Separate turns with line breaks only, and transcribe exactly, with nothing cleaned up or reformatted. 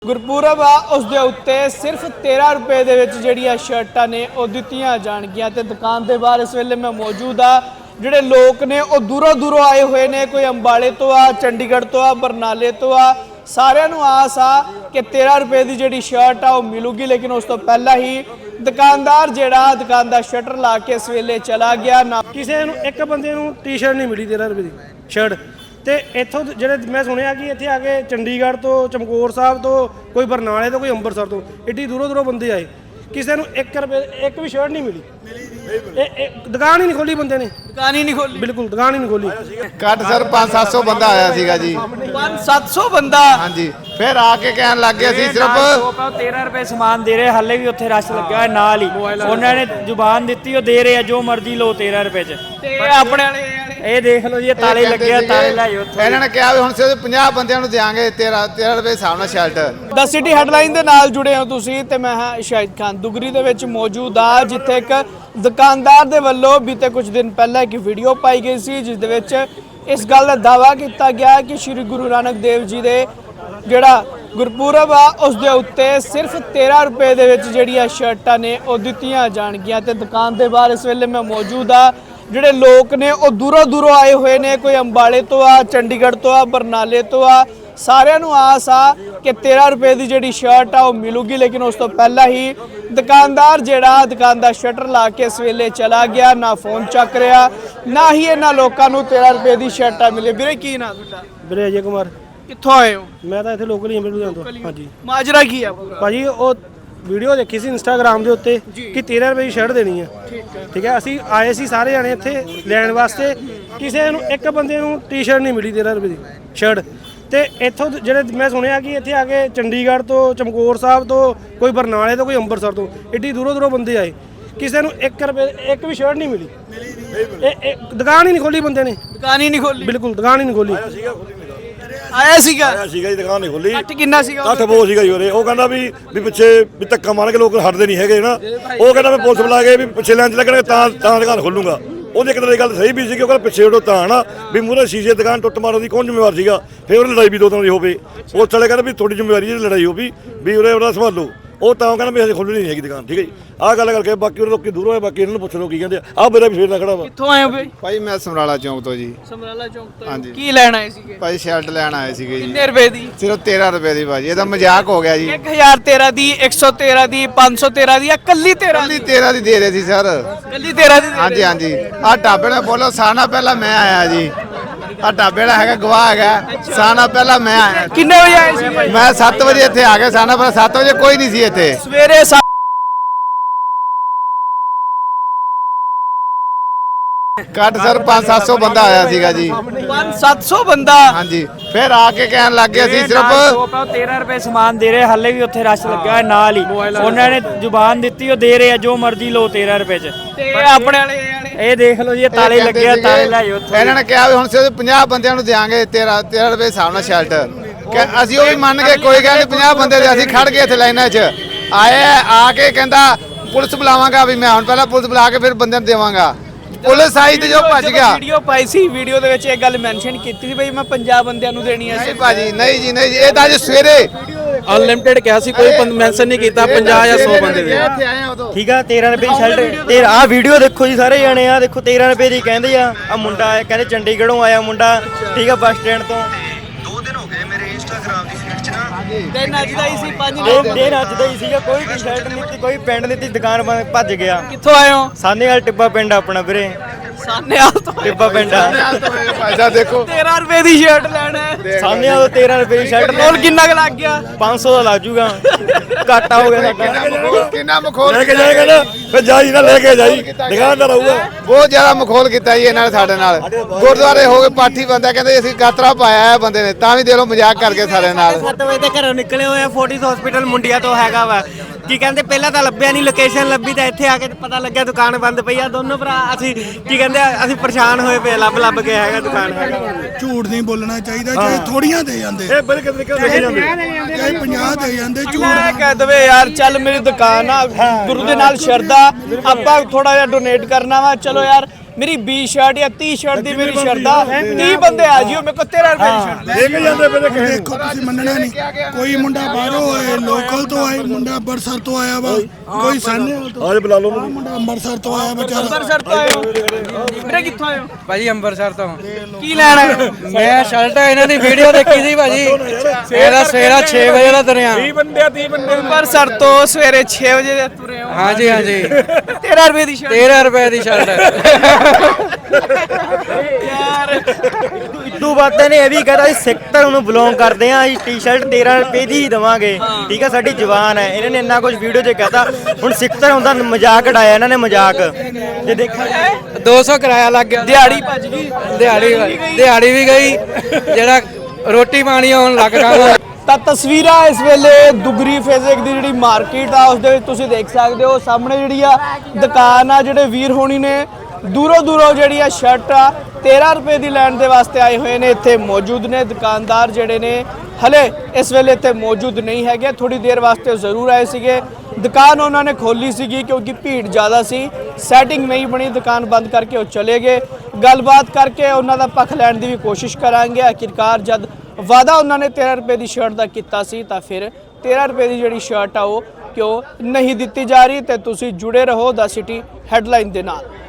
ਗੁਰਪੁਰਬ ਆ ਉਸ ਦੇ ਉੱਤੇ ਸਿਰਫ तेरह ਰੁਪਏ ਦੇ ਵਿੱਚ ਜਿਹੜੀਆਂ ਸ਼ਰਟਾਂ ਨੇ ਉਹ ਦਿੱਤੀਆਂ ਜਾਣਗੀਆਂ ਤੇ ਦੁਕਾਨ ਦੇ ਬਾਹਰ ਇਸ ਵੇਲੇ ਮੈਂ ਮੌਜੂਦ ਆ। ਜਿਹੜੇ ਲੋਕ ਨੇ ਉਹ ਦੂਰੋਂ ਦੂਰੋਂ ਆਏ ਹੋਏ ਨੇ, ਕੋਈ ਅੰਬਾਲੇ ਤੋਂ ਆ, ਚੰਡੀਗੜ੍ਹ ਤੋਂ ਆ, ਬਰਨਾਲੇ ਤੋਂ ਆ। ਸਾਰਿਆਂ ਨੂੰ ਆਸ ਆ ਕਿ तेरह ਰੁਪਏ ਦੀ ਜਿਹੜੀ ਸ਼ਰਟ ਆ ਉਹ ਮਿਲੂਗੀ, ਲੇਕਿਨ ਉਸ ਤੋਂ ਪਹਿਲਾਂ ਹੀ ਦੁਕਾਨਦਾਰ ਜਿਹੜਾ ਦੁਕਾਨ ਦਾ ਸ਼ਟਰ ਲਾ ਕੇ ਇਸ ਵੇਲੇ ਚਲਾ ਗਿਆ। ਨਾ
ਕਿਸੇ ਨੂੰ ਇੱਕ ਬੰਦੇ ਨੂੰ ਟੀ-ਸ਼ਰਟ ਨਹੀਂ ਮਿਲੀ तेरह ਰੁਪਏ ਦੀ ਸ਼ਰਟ। ਤੇ ਇੱਥੋਂ ਜਿਹੜੇ ਮੈਂ ਸੁਣਿਆ ਕਿ ਇੱਥੇ ਆ ਕੇ ਚੰਡੀਗੜ੍ਹ ਤੋਂ, ਚਮਕੌਰ ਸਾਹਿਬ ਤੋਂ, ਕੋਈ ਬਰਨਾਲੇ ਤੋਂ, ਕੋਈ ਅੰਮ੍ਰਿਤਸਰ ਤੋਂ, ਏਡੀ ਦੂਰੋਂ ਦੂਰੋਂ ਬੰਦੇ ਆਏ। ਕਿਸੇ ਨੂੰ ਇੱਕ ਰੁਪਏ ਇੱਕ ਵੀ ਸ਼ਰਟ ਨਹੀਂ ਮਿਲੀ। ਇਹ ਦੁਕਾਨ ਹੀ ਨਹੀਂ ਖੋਲੀ ਬੰਦੇ ਨੇ,
ਦੁਕਾਨ ही नहीं खोली,
ਬਿਲਕੁਲ ਦੁਕਾਨ ਹੀ ਨਹੀਂ ਖੋਲੀ।
ਘੱਟ ਸਰ पाँच सत्त सौ ਬੰਦਾ ਆਇਆ ਸੀਗਾ ਜੀ।
पाँच सत्त सौ ਬੰਦਾ
ਹਾਂਜੀ, ਫਿਰ ਆ ਕੇ ਕਹਿਣ ਲੱਗ ਗਿਆ ਸੀ ਸਿਰਫ
तेरह रुपए समान दे रहे, हाले भी उत्थे रश लग्या होया नाल ही। उन्होंने जुबान दित्ती, ਉਹ ਦੇ ਰਹੇ ਆ ਜੋ ਮਰਜ਼ੀ ਲਓ तेरह रुपए ਚ।
ਤੇ ਆਪਣੇ ਵਾਲੇ
ਇਹ ਦੇਖ ਲਓ ਜੀ, ਇਹ ਤਾਲੇ ਲੱਗੇ ਆ, ਤਾਲੇ ਲਾਏ ਉੱਥੇ।
ਇਹਨਾਂ ਨੇ ਕਿਹਾ ਵੀ ਹੁਣ ਸਿਰਫ ਪੰਜਾਹ ਬੰਦਿਆਂ ਨੂੰ ਦਿਆਂਗੇ तेरह तेरह ਰੁਪਏ ਹਿਸਾਬ ਨਾਲ ਸ਼ਰਟ।
ਦ ਸਿਟੀ ਹੈਡਲਾਈਨ ਦੇ ਨਾਲ ਜੁੜੇ ਹੋ ਤੁਸੀਂ ਤੇ ਮੈਂ ਹਾਂ ਸ਼ਾਹਿਦ ਖਾਨ। ਦੁਗਰੀ ਦੇ ਵਿੱਚ ਮੌਜੂਦ ਆ, ਜਿੱਥੇ ਇੱਕ ਦੁਕਾਨਦਾਰ ਦੇ ਵੱਲੋਂ ਬੀਤੇ ਕੁਝ ਦਿਨ ਪਹਿਲਾਂ ਇੱਕ ਵੀਡੀਓ ਪਾਈ ਗਈ ਸੀ, ਜਿਸ ਦੇ ਵਿੱਚ ਇਸ ਗੱਲ ਦਾ ਦਾਅਵਾ ਕੀਤਾ ਗਿਆ ਕਿ ਸ਼੍ਰੀ ਗੁਰੂ ਨਾਨਕ ਦੇਵ ਜੀ ਦੇ ਜਿਹੜਾ ਗੁਰਪੁਰਬ ਆ ਉਸ ਦੇ ਉੱਤੇ ਸਿਰਫ तेरह ਰੁਪਏ ਦੇ ਵਿੱਚ ਜਿਹੜੀਆਂ ਸ਼ਰਟਾਂ ਨੇ ਉਹ ਦਿੱਤੀਆਂ ਜਾਣਗੀਆਂ ਤੇ ਦੁਕਾਨ ਦੇ ਬਾਹਰ ਇਸ ਵੇਲੇ ਮੈਂ ਮੌਜੂਦ ਆ। ਜਿਹੜੇ ਲੋਕ ਨੇ ਉਹ ਦੂਰੋਂ ਦੂਰੋਂ ਆਏ ਹੋਏ ਨੇ, ਕੋਈ ਅੰਬਾਲੇ ਤੋਂ ਆ, ਚੰਡੀਗੜ੍ਹ ਤੋਂ ਆ, ਬਰਨਾਲੇ ਤੋਂ ਆ। ਸਾਰਿਆਂ ਨੂੰ ਆਸ ਆ ਕਿ तेरह ਰੁਪਏ ਦੀ ਜਿਹੜੀ ਸ਼ਰਟ ਆ ਉਹ ਮਿਲੂਗੀ, ਲੇਕਿਨ ਉਸ ਤੋਂ ਪਹਿਲਾਂ ਹੀ ਦੁਕਾਨਦਾਰ ਜਿਹੜਾ ਦੁਕਾਨ ਦਾ ਸ਼ਟਰ ਲਾ ਕੇ ਇਸ ਵੇਲੇ ਚਲਾ ਗਿਆ। ਨਾ ਫੋਨ ਚੱਕ ਰਿਹਾ, ਨਾ ਹੀ ਇਹਨਾਂ ਲੋਕਾਂ ਨੂੰ तेरह ਰੁਪਏ ਦੀ ਸ਼ਰਟਾਂ ਮਿਲੇ। ਵੀਰੇ ਕੀ ਨਾਂ ਤੁਹਾਡਾ?
ਵੀਰੇ ਅਜੇ ਕੁਮਾਰ।
ਕਿੱਥੋਂ ਆਏ ਹੋ?
ਮੈਂ ਤਾਂ ਇੱਥੇ ਲੋਕਲ ਹੀ ਹਾਂ, ਬਿਲਕੁਲ ਤੋਂ। ਹਾਂਜੀ
ਮਾਜਰਾ ਕੀ ਆ ਪੂਰਾ?
ਭਾਜੀ ਉਹ ਵੀਡੀਓ ਦੇਖੀ ਸੀ ਇੰਸਟਾਗ੍ਰਾਮ ਦੇ ਉੱਤੇ ਕਿ तेरह ਰੁਪਏ ਦੀ ਸ਼ਰਟ ਦੇਣੀ ਹੈ। ਠੀਕ ਹੈ, ਅਸੀਂ ਆਏ ਸੀ ਸਾਰੇ ਜਾਣੇ ਇੱਥੇ ਲੈਣ ਵਾਸਤੇ। ਕਿਸੇ ਨੂੰ ਇੱਕ ਬੰਦੇ ਨੂੰ ਟੀ-ਸ਼ਰਟ ਨਹੀਂ ਮਿਲੀ तेरह ਰੁਪਏ ਦੀ ਸ਼ਰਟ। ਤੇ ਇੱਥੋਂ ਜਿਹੜੇ ਮੈਂ ਸੁਣਿਆ ਕਿ ਇੱਥੇ ਆ ਕੇ ਚੰਡੀਗੜ੍ਹ ਤੋਂ, ਚਮਕੌਰ ਸਾਹਿਬ ਤੋਂ, ਕੋਈ ਬਰਨਾਲੇ ਤੋਂ, ਕੋਈ ਅੰਮ੍ਰਿਤਸਰ ਤੋਂ, ਏਡੀ ਦੂਰੋਂ ਦੂਰੋਂ ਬੰਦੇ ਆਏ। ਕਿਸੇ ਨੂੰ ਇੱਕ ਰੁਪਏ ਇੱਕ ਵੀ ਸ਼ਰਟ ਨਹੀਂ ਮਿਲੀ। ਇਹ ਦੁਕਾਨ ਹੀ ਨਹੀਂ ਖੋਲੀ ਬੰਦੇ ਨੇ,
ਦੁਕਾਨ ਹੀ ਨਹੀਂ ਖੋਲੀ,
ਬਿਲਕੁਲ ਦੁਕਾਨ ਹੀ ਨਹੀਂ ਖੋਲੀ।
ਆਇਆ ਸੀਗਾ
ਆਇਆ ਸੀਗਾ ਜੀ, ਦੁਕਾਨ ਨਹੀਂ ਖੋਲੀ।
ਅੱਠ ਕਿੰਨਾ ਸੀਗਾ?
ਅੱਠ ਬਹੁਤ ਸੀਗਾ ਜੀ ਉਰੇ। ਉਹ ਕਹਿੰਦਾ ਵੀ ਵੀ ਪਿੱਛੇ ਵੀ ਧੱਕਾ ਮਾਰ ਕੇ ਲੋਕ ਹਟਦੇ ਨਹੀਂ ਹੈਗੇ ਨਾ। ਉਹ ਕਹਿੰਦਾ ਮੈਂ ਪੁਲਿਸ ਬੁਲਾ ਕੇ ਵੀ ਪਿੱਛੇ ਲੈਣ ਚ ਲੱਗਣਗੇ ਤਾਂ ਤਾਂ ਦੁਕਾਨ ਖੋਲੂੰਗਾ। ਉਹਦੀ ਇੱਕ ਤਰ੍ਹਾਂ ਦੀ ਗੱਲ ਸਹੀ ਵੀ ਸੀ ਕਿ ਉਹ ਕਹਿੰਦਾ ਪਿੱਛੇ ਉਡੋ ਤਾਂ ਨਾ ਵੀ ਮੂਹਰੇ ਸ਼ੀਸ਼ੇ ਦੁਕਾਨ ਟੁੱਟ ਮਾਰਨ ਦੀ ਕੌਣ ਜ਼ਿੰਮੇਵਾਰ ਸੀਗਾ। ਫਿਰ ਉਹਨੇ ਲੜਾਈ ਵੀ ਦੋ ਤਰ੍ਹਾਂ ਦੀ ਹੋਵੇ। ਉਹ ਚਲੇ ਕਹਿੰਦਾ ਵੀ ਤੁਹਾਡੀ ਜ਼ਿੰਮੇਵਾਰੀ ਜਿਹੜੀ ਲੜਾਈ ਹੋਵੇ ਵੀ ਉਰੇ ਉਹਦਾ ਸੰਭਾਲੋ। ਉਹ ਤਾਂ ਕਹਿੰਦਾ ਵੀ ਅਸੀਂ ਖੋਲ੍ਹਣੀ ਨਹੀਂ ਹੈਗੀ ਦੁਕਾਨ। ਠੀਕ ਹੈ ਜੀ, ਆਹ ਗੱਲ ਕਰਕੇ ਬਾਕੀ ਉਹ ਲੋਕੀ ਦੂਰੋਂ ਆਏ, ਬਾਕੀ ਇਹਨਾਂ ਨੂੰ ਪੁੱਛ ਲਓ ਕੀ ਕਹਿੰਦੇ ਆ। ਆਹ ਮੇਰਾ ਵੀ ਫੇਰ ਦਾ ਖੜਾ ਵਾ।
ਕਿੱਥੋਂ ਆਏ ਹੋ ਬਈ?
ਭਾਈ ਮੈਂ ਸਮਰਾਲਾ ਚੌਂਕ ਤੋਂ ਜੀ।
ਸਮਰਾਲਾ ਚੌਂਕ ਤੋਂ।
ਹਾਂਜੀ।
ਕੀ ਲੈਣ ਆਏ ਸੀਗੇ?
ਭਾਈ ਸ਼ਰਟ ਲੈਣ ਆਏ ਸੀਗੇ ਜੀ।
ਕਿੰਨੇ ਰੁਪਏ ਦੀ?
ਸਿਰਫ तेरह ਰੁਪਏ ਦੀ ਭਾਜੀ। ਇਹਦਾ ਮਜ਼ਾਕ ਹੋ ਗਿਆ ਜੀ।
एक हज़ार तेरह ਦੀ, एक सौ तेरह ਦੀ, पाँच सौ तेरह ਦੀ, ਜਾਂ ਕੱਲੀ तेरह
ਕੱਲੀ तेरह ਦੀ ਦੇ ਰਹੇ ਸੀ ਸਰ।
ਕੱਲੀ तेरह ਦੀ?
ਹਾਂਜੀ ਹਾਂਜੀ। ਆਹ ਢਾਬੇ ਨਾਲ ਬੋਲੋ, ਸਾਨਾ ਪਹਿਲਾਂ ਮੈਂ ਆਇਆ ਜੀ। ਆਹ ਢਾਬੇ ਦਾ ਹੈਗਾ ਗਵਾਹ ਹੈਗਾ, ਸਾਨਾ ਪਹਿਲਾਂ ਮੈਂ ਆਇਆ।
ਕਿੰਨੇ ਵਜੇ ਆਏ ਸੀ ਭਾਈ?
ਮੈਂ ਸੱਤ ਵਜੇ ਇੱਥੇ ਆ ਗਿਆ। ਸਾਨਾ ਪਹਿਲਾਂ ਸੱਤ ਵਜੇ ਕੋਈ ਨਹੀਂ ਸੀ ਇੱਥੇ।
ਸਵੇਰੇ
ਘੱਟ ਸਰ पाँच सत्त सौ ਬੰਦਾ ਆਇਆ ਸੀਗਾ ਜੀ।
पाँच सत्त सौ ਬੰਦਾ?
ਹਾਂਜੀ, ਫਿਰ ਆ ਕੇ ਕਹਿਣ ਲੱਗ ਗਿਆ ਸੀ ਸਿਰਫ
तेरह रुपए समान दे रहे, हाले भी उत्थे रश लग्या होया नाल ही। उन्होंने जुबान दित्ती, ਉਹ ਦੇ ਰਹੇ ਆ ਜੋ ਮਰਜ਼ੀ ਲਓ तेरह रुपए ਚ।
ਤੇ ਆਪਣੇ ਵਾਲੇ
ਇਹ ਦੇਖ ਲਓ ਜੀ, ਇਹ ਤਾਲੇ ਲੱਗੇ ਆ, ਤਾਲੇ ਲਾਏ ਉੱਥੇ।
ਇਹਨਾਂ ਨੇ ਕਿਹਾ ਵੀ ਹੁਣ ਸਿਰਫ ਪੰਜਾਹ ਬੰਦਿਆਂ ਨੂੰ ਦਿਆਂਗੇ तेरह तेरह ਰੁਪਏ ਹਿਸਾਬ ਨਾਲ ਸ਼ਰਟ। ਕਿ ਅਸੀਂ ਉਹ ਵੀ ਮੰਨ ਕੇ ਕੋਈ ਗੱਲ ਨਹੀਂ, ਪੰਜਾਹ ਬੰਦੇ ਦੇ ਅਸੀਂ ਖੜ ਗਏ ਇੱਥੇ ਲਾਈਨਾਂ 'ਚ। ਆਏ ਆ ਕੇ ਕਹਿੰਦਾ ਪੁਲਿਸ ਬੁਲਾਵਾਂਗਾ ਵੀ ਮੈਂ। ਹੁਣ ਪਹਿਲਾਂ ਪੁਲਿਸ ਬੁਲਾ ਕੇ ਫਿਰ ਬੰਦਿਆਂ ਨੂੰ ਦੇਵਾਂਗਾ। ਪੁਲਿਸ ਆਈ ਤੇ ਜੋ ਭੱਜ ਗਿਆ।
ਵੀਡੀਓ ਪਾਈ ਸੀ, ਵੀਡੀਓ ਦੇ ਵਿੱਚ ਇਹ ਗੱਲ ਮੈਂਸ਼ਨ ਕੀਤੀ ਸੀ ਬਈ ਮੈਂ ਪੰਜਾਹ ਬੰਦਿਆਂ ਨੂੰ ਦੇਣੀ ਹੈ।
ਨਹੀਂ ਭਾਜੀ, ਨਹੀਂ ਜੀ, ਨਹੀਂ ਜੀ। ਇਹ ਤਾਂ ਅੱਜ ਸਵੇਰੇ
ਅਨਲਿਮਿਟਿਡ ਕਿਹਾ ਸੀ, ਕੋਈ ਮੈਂਸ਼ਨ ਨਹੀਂ ਕੀਤਾ ਪੰਜਾਹ ਜਾਂ ਸੌ ਬੰਦੇ ਦੇ।
ਇੱਥੇ ਆਏ ਆ ਉਦੋਂ।
ਠੀਕ ਆ, तेरह रुपए ਦੀ ਸ਼ਰਟ। ਤੇ ਆਹ ਵੀਡੀਓ ਦੇਖੋ ਜੀ ਸਾਰੇ ਜਾਣੇ, ਆ ਦੇਖੋ तेरह रुपए ਦੀ ਕਹਿੰਦੇ ਆ। ਆ ਮੁੰਡਾ ਆਇਆ, ਕਹਿੰਦੇ ਚੰਡੀਗੜ੍ਹੋਂ ਆਇਆ ਮੁੰਡਾ। ਠੀਕ ਆ, ਬੱਸ ਸਟੈਂਡ ਤੋਂ।
ਦੋ ਦਿਨ ਹੋ ਗਏ ਮੇਰੇ ਇੰਸਟਾਗ੍ਰਾਮ ਦੀ ਫੀਡ 'ਚ ਨਾ
ਦਿਨ ਅੱਜ ਦਾ ਹੀ ਸੀ, ਪੰਜ
ਦਿਨ ਦਿਨ ਅੱਜ ਦਾ ਹੀ ਸੀਗਾ। ਕੋਈ ਟੀ-ਸ਼ਰਟ ਨਹੀਂ ਸੀ, ਕੋਈ ਪੈਂਟ ਨਹੀਂ ਸੀ। ਦੁਕਾਨ ਬੰਦ, ਭੱਜ ਗਿਆ।
ਕਿੱਥੋਂ ਆਏ ਹੋ?
ਸਾਨੇ ਵਾਲ ਟਿੱਬਾ ਪਿੰਡ ਆਪਣਾ ਵੀਰੇ,
ਸਾਨੇਵਾਲ ਤੋਂ।
ਟਿੱਬਾ ਪਿੰਡ ਆ।
ਭਾਈ ਸਾਹਿਬ ਦੇਖੋ,
तेरह ਰੁਪਏ ਦੀ ਸ਼ਰਟ ਲੈਣਾ ਹੈ।
ਸਾਨੇ ਵਾਲ तेरह रुपए ਦੀ ਸ਼ਰਟ
ਟੋਲ ਕਿੰਨਾ ਕੁ ਲੱਗ ਗਿਆ?
पाँच सौ ਦਾ ਲੱਗ ਜੂਗਾ। ਘਾਟਾ ਹੋ ਗਿਆ ਸਾਡਾ।
ਕਿੰਨਾ ਮਖੌਲ
ਲੈ ਕੇ ਜਾਏਗਾ ਨਾ, ਫਿਰ ਜਾਈ ਨਾ ਲੈ ਕੇ ਜਾਈ, ਦੁਕਾਨਦਾਰ ਆਊਗਾ।
ਬਹੁਤ ਜ਼ਿਆਦਾ ਮਖੌਲ ਕੀਤਾ ਜੀ ਇਹਨਾਂ ਨੇ ਸਾਡੇ ਨਾਲ। ਗੁਰਦੁਆਰੇ ਹੋ ਗਏ, ਪਾਠੀ ਬੰਦਾ ਕਹਿੰਦੇ ਅਸੀਂ ਗਾਤਰਾ ਪਾਇਆ ਹੈ ਬੰਦੇ ਨੇ, ਤਾਂ ਵੀ ਦੇ ਲੋ ਮਜ਼ਾਕ ਕਰਕੇ ਸਾਡੇ ਨਾਲ।
ਸੱਤ ਵਜੇ ਦੇ ਘਰੋਂ ਨਿਕਲੇ ਹੋਏ ਆ, ਫੋਰਟਿਸ ਹਸਪੀਟਲ ਮੁੰਡਿਆ ਤੋਂ ਹੈਗਾ ਵਾ। ਕੀ ਕਹਿੰਦੇ ਪਹਿਲਾਂ ਤਾਂ ਲੱਭਿਆ ਨਹੀਂ, ਲੋਕੇਸ਼ਨ ਲੱਭੀ ਤਾਂ ਇੱਥੇ ਆ ਕੇ ਪਤਾ ਲੱਗਿਆ ਦੁਕਾਨ ਬੰਦ ਪਈ ਆ। ਦੋਨੋਂ ਭਰਾ ਅਸੀਂ ਕੀ ਕਹਿੰਦੇ ਅਸੀਂ ਪਰੇਸ਼ਾਨ ਹੋਏ ਪਏ, ਲੱਭ ਲੱਭ ਕੇ ਹੈਗਾ ਦੁਕਾਨ ਹੈਗਾ।
ਝੂਠ ਨਹੀਂ ਬੋਲਣਾ ਚਾਹੀਦਾ। ਚਾਹੇ ਥੋੜੀਆਂ ਦੇ ਜਾਂਦੇ,
ਇਹ ਬੜੇ ਕਿਤੇ ਕਿਉਂ ਲੈ ਜਾਂਦੇ?
ਚਾਹੇ ਪੰਜਾਹ ਦੇ ਜਾਂਦੇ, ਝੂਠ
ਮੈਂ ਕਹਿ ਦਵੇ ਯਾਰ ਚੱਲ ਮੇਰੀ ਦੁਕਾਨ ਆ, ਗੁਰੂ ਦੇ ਨਾਲ ਸ਼ਰਧਾ, ਆਪਾਂ ਥੋੜਾ ਜਿਹਾ ਡੋਨੇਟ ਕਰਨਾ ਵਾ, ਚਲੋ ਯਾਰ ਮੇਰੀ ਵੀਹ ਸ਼ਰਟ ਜਾਂ ਤੀਹ ਸ਼ਰਟ ਦੀ ਮੇਰੀ ਸ਼ਰਦਾ ਤੀਹ ਬੰਦੇ ਆ ਜਿਓ ਮੇਰੇ ਕੋਲ ਤੇਰਾਂ ਰੁਪਏ ਦੀ ਸ਼ਰਟ
ਲੈ ਕੇ ਜਾਂਦੇ ਪਏ ਕਿਸੇ
ਦੇਖੋ ਤੁਸੀਂ ਮੰਨਣਾ ਨਹੀਂ, ਕੋਈ ਮੁੰਡਾ ਬਾਹਰੋਂ ਆਏ, ਲੋਕਲ ਤੋਂ ਆਏ, ਮੁੰਡਾ ਅੰਮ੍ਰਿਤਸਰ ਤੋਂ ਆਇਆ ਵਾ, ਕੋਈ ਸਾਨੇ ਤੋਂ
ਆਜ ਬੁਲਾ ਲਓ
ਆਹ ਮੁੰਡਾ ਅੰਮ੍ਰਿਤਸਰ ਤੋਂ ਆਇਆ ਵਿਚਾਰਾ।
ਅੰਮ੍ਰਿਤਸਰ ਤੋਂ ਆਏ ਹੋ ਵੀਰੇ, ਕਿੱਥੋਂ ਆਏ ਹੋ?
ਭਾਜੀ ਅੰਮ੍ਰਿਤਸਰ ਤੋਂ
ਕੀ ਲੈਣ ਆਏ ਹੋ?
ਮੈਂ ਸ਼ਰਟ ਇਹਨਾਂ ਦੀ ਵੀਡੀਓ ਦੇਖੀ ਸੀ ਭਾਜੀ, ਇਹਦਾ ਸਵੇਰਾ ਛੇ ਵਜੇ ਦਾ ਤੁਰਿਆ।
ਅੰਮ੍ਰਿਤਸਰ ਤੋਂ ਸਵੇਰੇ ਛੇ ਵਜੇ ਦੇ ਤੁਰੇ ਹੋ।
ਹਾਂਜੀ ਹਾਂਜੀ
ਤੇਰਾਂ ਰੁਪਏ ਦੀ ਸ਼ਰਟ
ਤੇਰਾਂ ਰੁਪਏ ਦੀ ਸ਼ਰਟ।
ਯਾਰ
ਇਦੋਂ ਬਾਅਦ ਇਹਨੇ ਇਹ ਵੀ ਕਹਤਾ ਸਿੱਖ ਧਰਮ ਨੂੰ ਬਿਲੋਂਗ ਕਰਦੇ ਆ, ਅਸੀਂ ਟੀ-ਸ਼ਰਟ ਤੇਰਾਂ ਰੁਪਏ ਦੀ ਹੀ ਦੇਵਾਂਗੇ। ਠੀਕ ਆ, ਸਾਡੀ ਜ਼ੁਬਾਨ ਹੈ। ਇਹਨਾਂ ਨੇ ਇੰਨਾ ਕੁਝ ਵੀਡੀਓ 'ਚ ਕਹਤਾ। ਹੁਣ ਸਿੱਖ ਧਰਮ ਦਾ ਮਜ਼ਾਕ ਉਡਾਇਆ ਇਹਨਾਂ ਨੇ, ਮਜ਼ਾਕ ਜੇ ਦੇਖਿਆ ਜਾਏ।
ਦੋ ਸੌ ਕਿਰਾਇਆ ਲੱਗ ਗਿਆ,
ਦਿਹਾੜੀ ਭੱਜ ਗਈ।
ਦਿਹਾੜੀ ਦਿਹਾੜੀ ਵੀ ਗਈ, ਜਿਹੜਾ ਰੋਟੀ ਪਾਣੀ ਆਉਣ ਲੱਗ ਗਿਆ।
ਤਾਂ ਤਸਵੀਰਾਂ ਇਸ ਵੇਲੇ ਦੁਗਰੀ ਫੇਜ਼ਿਕ ਦੀ ਜਿਹੜੀ ਮਾਰਕੀਟ ਆ ਉਸ ਦੇ ਵਿੱਚ ਤੁਸੀਂ ਦੇਖ ਸਕਦੇ ਹੋ। ਸਾਹਮਣੇ ਜਿਹੜੀ ਆ ਦੁਕਾਨ ਆ, ਜਿਹੜੇ ਵੀਰ ਹੋਣੀ ਨੇ ਦੂਰੋਂ ਦੂਰੋਂ ਜਿਹੜੀ ਆ ਸ਼ਰਟ ਆ ਤੇਰਾਂ ਰੁਪਏ ਦੀ ਲੈਣ ਦੇ ਵਾਸਤੇ ਆਏ ਹੋਏ ਨੇ, ਇੱਥੇ ਮੌਜੂਦ ਨੇ। ਦੁਕਾਨਦਾਰ ਜਿਹੜੇ ਨੇ ਹਲੇ ਇਸ ਵੇਲੇ ਇੱਥੇ ਮੌਜੂਦ ਨਹੀਂ ਹੈਗੇ, ਥੋੜੀ ਦੇਰ ਵਾਸਤੇ ਜ਼ਰੂਰ ਆਏ ਸੀਗੇ। ਦੁਕਾਨ ਉਹਨਾਂ ਨੇ ਖੋਲੀ ਸੀਗੀ ਕਿਉਂਕਿ ਭੀੜ ਜ਼ਿਆਦਾ ਸੀ, ਸੈਟਿੰਗ ਨਹੀਂ ਬਣੀ, ਦੁਕਾਨ ਬੰਦ ਕਰਕੇ ਉਹ ਚਲੇ ਗਏ। ਗੱਲਬਾਤ ਕਰਕੇ ਉਹਨਾਂ ਦਾ ਪੱਖ ਲੈਣ ਦੀ ਵੀ ਕੋਸ਼ਿਸ਼ ਕਰਾਂਗੇ। ਆਖਿਰਕਾਰ ਜਦ ਵਾਅਦਾ ਉਹਨਾਂ ਨੇ ਤੇਰਾਂ ਰੁਪਏ ਦੀ ਸ਼ਰਟ ਦਾ ਕੀਤਾ ਸੀ ਤਾਂ ਫਿਰ ਤੇਰਾਂ ਰੁਪਏ ਦੀ ਜਿਹੜੀ ਸ਼ਰਟ ਆ ਉਹ ਕਿਉਂ ਨਹੀਂ ਦਿੱਤੀ ਜਾ ਰਹੀ। ਤੇ ਤੁਸੀਂ ਜੁੜੇ ਰਹੋ ਦ ਸਿਟੀ ਹੈਡਲਾਈਨ ਦੇ ਨਾਲ।